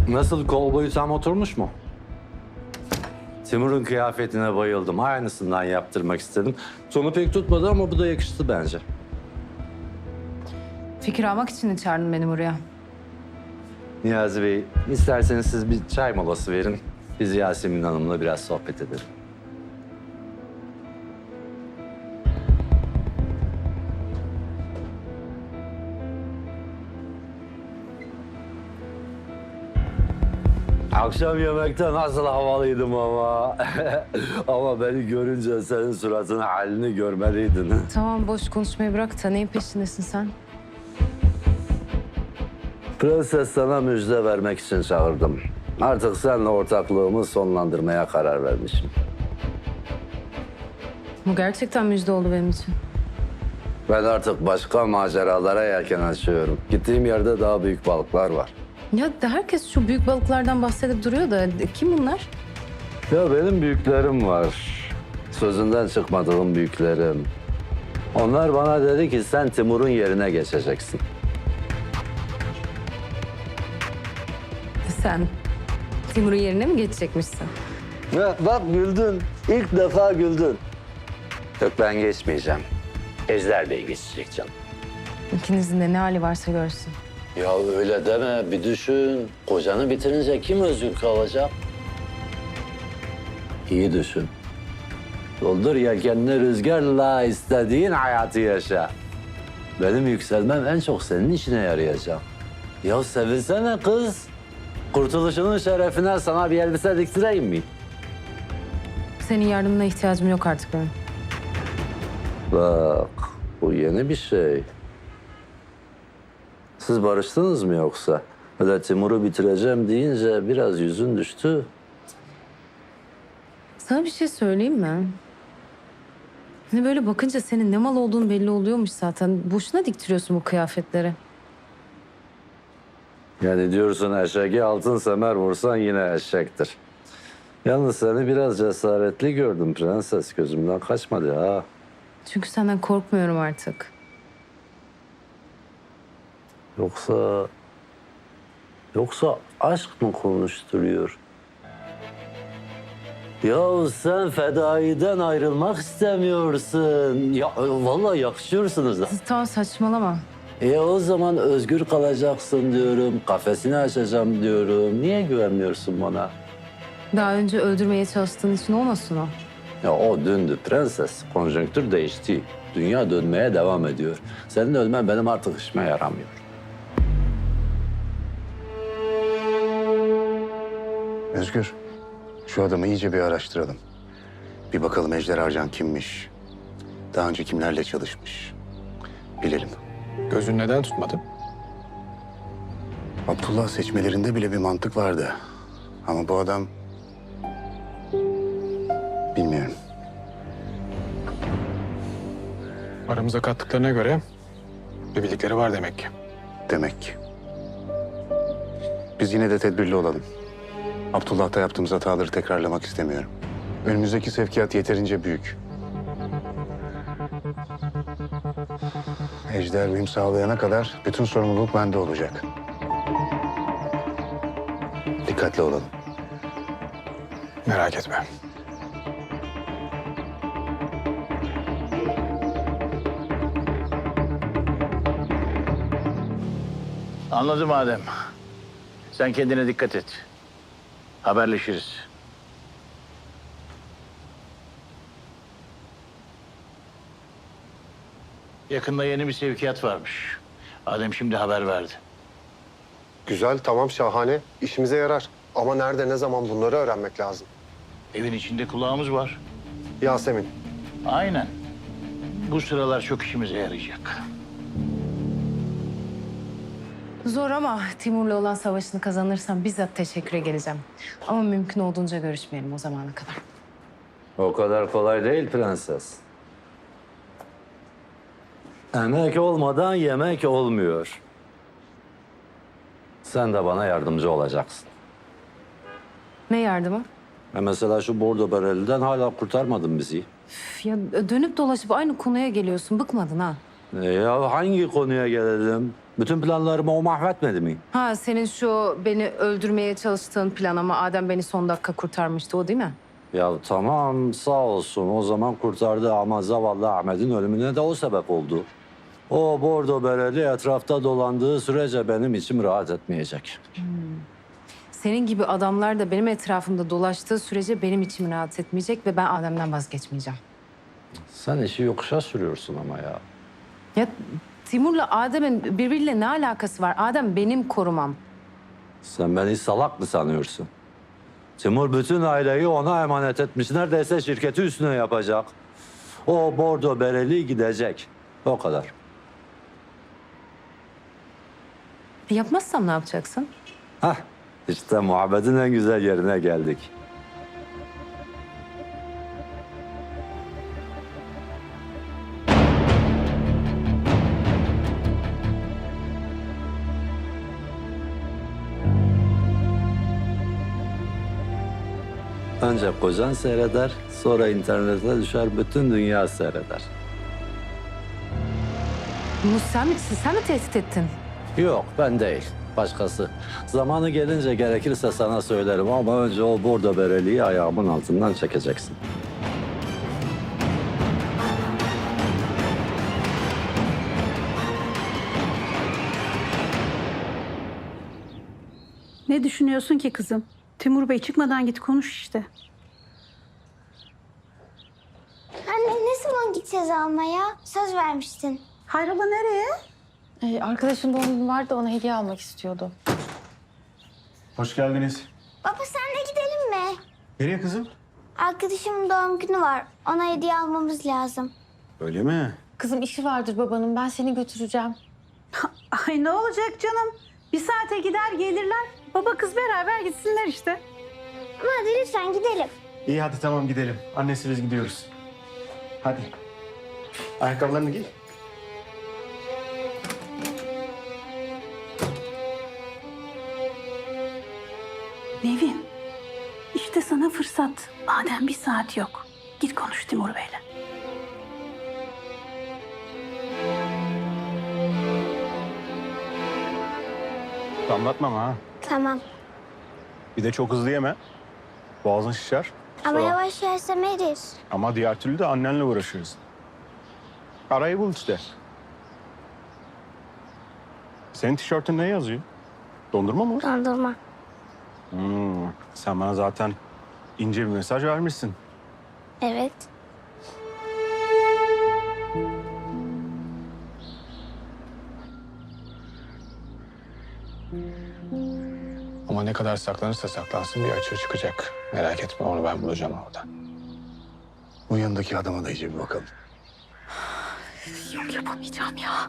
Nasıl, kol boyu tam oturmuş mu? Timur'un kıyafetine bayıldım. Aynısından yaptırmak istedim. Sonu pek tutmadı ama bu da yakıştı bence. Fikir almak için mi çağırdın beni buraya? Niyazi Bey, isterseniz siz bir çay molası verin. Biz Yasemin Hanım'la biraz sohbet edelim. Akşam yemekte nasıl havalıydım ama. Ama beni görünce senin suratının halini görmeliydin. Tamam, boş konuşmayı bırak da neyin peşindesin sen? Prenses, sana müjde vermek için çağırdım. Artık seninle ortaklığımı sonlandırmaya karar vermişim. Bu gerçekten müjde oldu benim için. Ben artık başka maceralara yelken açıyorum. Gittiğim yerde daha büyük balıklar var. Ya herkes şu büyük balıklardan bahsedip duruyor da kim bunlar? Ya benim büyüklerim var. Sözünden çıkmadığım büyüklerim. Onlar bana dedi ki sen Timur'un yerine geçeceksin. Sen Timur'un yerine mi geçecekmişsin? Ya bak güldün. İlk defa güldün. Yok, ben geçmeyeceğim. Ejder Bey geçecek canım. İkinizin de ne hali varsa görsün. Ya öyle deme, bir düşün. Kocanı bitirince kim özgür kalacak? İyi düşün. Doldur yelkenini rüzgarla, istediğin hayatı yaşa. Benim yükselmem en çok senin işine yarayacak. Ya sevinsene kız. Kurtuluşunun şerefine sana bir elbise diktireyim mi? Senin yardımına ihtiyacım yok artık benim. Bak, bu yeni bir şey. Siz barıştınız mı yoksa? Öyle Timur'u bitireceğim deyince biraz yüzün düştü. Sana bir şey söyleyeyim mi? Hani böyle bakınca senin ne mal olduğunu belli oluyormuş zaten. Boşuna diktiriyorsun bu kıyafetleri. Yani diyorsun eşeği altın semer vursan yine eşektir. Yalnız seni biraz cesaretli gördüm prenses. Gözümden kaçmadı ha. Çünkü senden korkmuyorum artık. Yoksa... Yoksa aşk mı konuşturuyor? Ya sen fedaiden ayrılmak istemiyorsun. Ya vallahi yakışıyorsunuz da. Tamam, saçmalama. O zaman özgür kalacaksın diyorum. Kafesini açacağım diyorum. Niye güvenmiyorsun bana? Daha önce öldürmeye çalıştığın için olmasın o. Ya o dündü prenses. Konjonktür değişti. Dünya dönmeye devam ediyor. Senin ölmen benim artık işime yaramıyor. Özgür, şu adamı iyice bir araştıralım. Bir bakalım Ejder Arcan kimmiş? Daha önce kimlerle çalışmış? Bilelim. Gözün neden tutmadı? Abdullah seçmelerinde bile bir mantık vardı. Ama bu adam... Bilmiyorum. Aramıza kattıklarına göre bir bildikleri var demek ki. Demek ki. Biz yine de tedbirli olalım. Abdullah'ta yaptığımız hataları tekrarlamak istemiyorum. Önümüzdeki sevkiyat yeterince büyük. Ejder uyum sağlayana kadar bütün sorumluluk bende olacak. Dikkatli olalım. Merak etme. Anladım Adem. Sen kendine dikkat et. Haberleşiriz. Yakında yeni bir sevkiyat varmış. Adem şimdi haber verdi. Güzel, tamam, şahane. İşimize yarar. Ama nerede, ne zaman bunları öğrenmek lazım. Evin içinde kulağımız var. Yasemin, Aynen. Bu sıralar çok işimize yarayacak. Zor ama Timur'la olan savaşını kazanırsam bizzat teşekküre geleceğim. Ama mümkün olduğunca görüşmeyelim o zamana kadar. O kadar kolay değil prenses. Emek olmadan yemek olmuyor. Sen de bana yardımcı olacaksın. Ne yardımı? Mesela şu bordo bereliden hala kurtarmadın bizi. Üf, ya dönüp dolaşıp aynı konuya geliyorsun. Bıkmadın ha? Ya hangi konuya gelelim? Bütün planlarımı o mahvetmedi mi? Ha senin şu beni öldürmeye çalıştığın plan ama Adem beni son dakika kurtarmıştı o değil mi? Ya tamam sağ olsun o zaman kurtardı ama zavallı Ahmet'in ölümüne de o sebep oldu. O bordo bereli etrafta dolandığı sürece benim içim rahat etmeyecek. Senin gibi adamlar da benim etrafımda dolaştığı sürece benim içim rahat etmeyecek ve ben Adem'den vazgeçmeyeceğim. Sen işi yokuşa sürüyorsun ama ya. Ya Timur'la Adem'in birbiriyle ne alakası var? Adem benim korumam. Sen beni salak mı sanıyorsun? Timur bütün aileyi ona emanet etmiş. Neredeyse şirketi üstüne yapacak. O bordo bereli gidecek. O kadar. Yapmazsam ne yapacaksın? Hah, işte muhabbetin en güzel yerine geldik. Önce kocan seyreder, sonra internete düşer, bütün dünya seyreder. Bunu sen mi tehdit ettin? Yok, ben değil. Başkası. Zamanı gelince gerekirse sana söylerim ama önce o bordo bereliği ayağımın altından çekeceksin. Ne düşünüyorsun ki kızım? Timur Bey çıkmadan git konuş işte. Anne ne zaman gideceğiz almaya? Söz vermiştin. Hayrola nereye? Arkadaşın doğum günü vardı da ona hediye almak istiyordu. Hoş geldiniz. Baba senle gidelim mi? Nereye kızım? Arkadaşımın doğum günü var. Ona hediye almamız lazım. Öyle mi? Kızım işi vardır babanın. Ben seni götüreceğim. Ay ne olacak canım? Bir saate gider gelirler. Baba kız beraber gitsinler işte. Ama hadi lütfen gidelim. İyi hadi tamam gidelim. Annesi biz gidiyoruz. Hadi. Ayakkabılarını giy. Nevin, işte sana fırsat. Madem bir saat yok. Git konuş Timur Bey'le. Damlatma ama ha. Tamam. Bir de çok hızlı yeme. Boğazın şişer. Ama Sonra- yavaş yersem erir. Ama diğer türlü de annenle uğraşıyoruz. Arayı bul işte. Senin tişörtün ne yazıyor? Dondurma mı? Dondurma. Sen bana zaten ince bir mesaj vermişsin. Evet. Ama ne kadar saklanırsa saklansın bir açığı çıkacak. Merak etme onu ben bulacağım orada. Bu yanındaki adama da iyice bir bakalım. Yok yapamayacağım ya.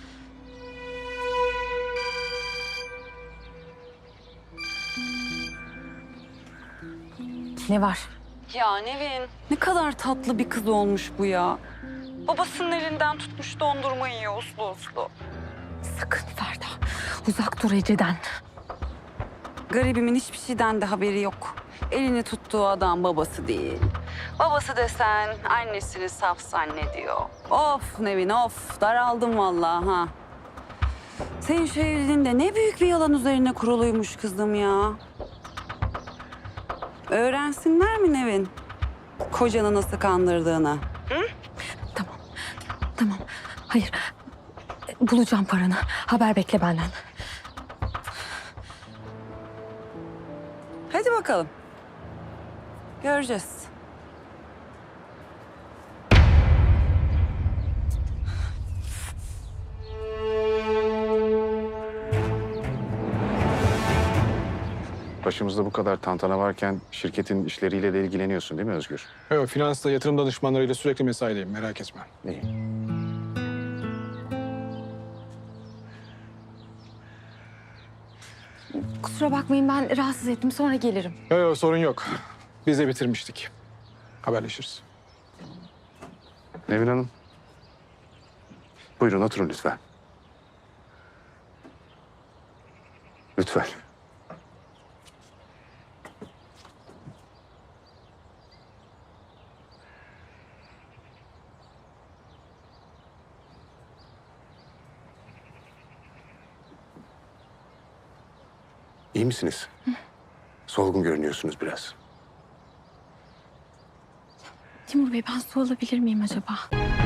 Ne var? Ya Nevin, ne kadar tatlı bir kız olmuş bu ya. Babasının elinden tutmuş dondurma yiyor uslu uslu. Sakın Ferda. Uzak dur Ece'den. Garibimin hiçbir şeyden de haberi yok. Elini tuttuğu adam babası değil. Babası desen annesini saf zannediyor. Of Nevin of, daraldım vallahi ha. Senin şu evliliğin de ne büyük bir yalan üzerine kuruluymuş kızım ya. Öğrensinler mi Nevin? Kocanı nasıl kandırdığını. Tamam. Hayır. Bulacağım paranı. Haber bekle benden. Hadi bakalım. Göreceğiz. Başımızda bu kadar tantana varken şirketin işleriyle de ilgileniyorsun değil mi Özgür? Evet, finansta yatırım danışmanlarıyla sürekli mesaideyim merak etme. İyi. Kusura bakmayın ben rahatsız ettim. Sonra gelirim. Yok sorun yok. Biz de bitirmiştik. Haberleşiriz. Nevin Hanım. Buyurun oturun lütfen. Lütfen. İyi misiniz? Solgun görünüyorsunuz biraz. Timur Bey ben su alabilir miyim acaba?